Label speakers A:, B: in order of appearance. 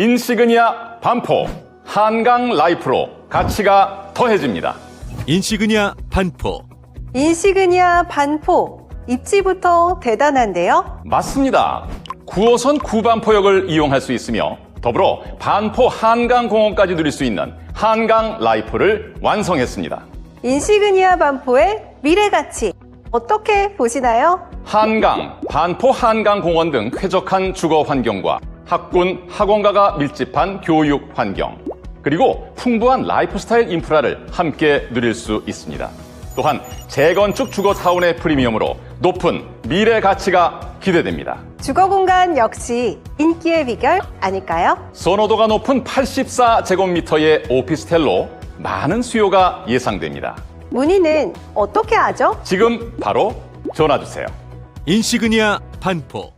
A: 인시그니아 반포 한강 라이프로 가치가 더해집니다.
B: 인시그니아 반포.
C: 인시그니아 반포. 입지부터 대단한데요?
A: 맞습니다. 9호선 구반포역을 이용할 수 있으며 더불어 반포 한강공원까지 누릴 수 있는 한강 라이프를 완성했습니다.
C: 인시그니아 반포의 미래 가치 어떻게 보시나요?
A: 한강, 반포 한강공원 등 쾌적한 주거 환경과 학군, 학원가가 밀집한 교육 환경, 그리고 풍부한 라이프스타일 인프라를 함께 누릴 수 있습니다. 또한 재건축 주거타운의 프리미엄으로 높은 미래 가치가 기대됩니다.
C: 주거 공간 역시 인기의 비결 아닐까요?
A: 선호도가 높은 84제곱미터의 오피스텔로 많은 수요가 예상됩니다.
C: 문의는 어떻게 하죠?
A: 지금 바로 전화 주세요.
B: 인시그니아 반포.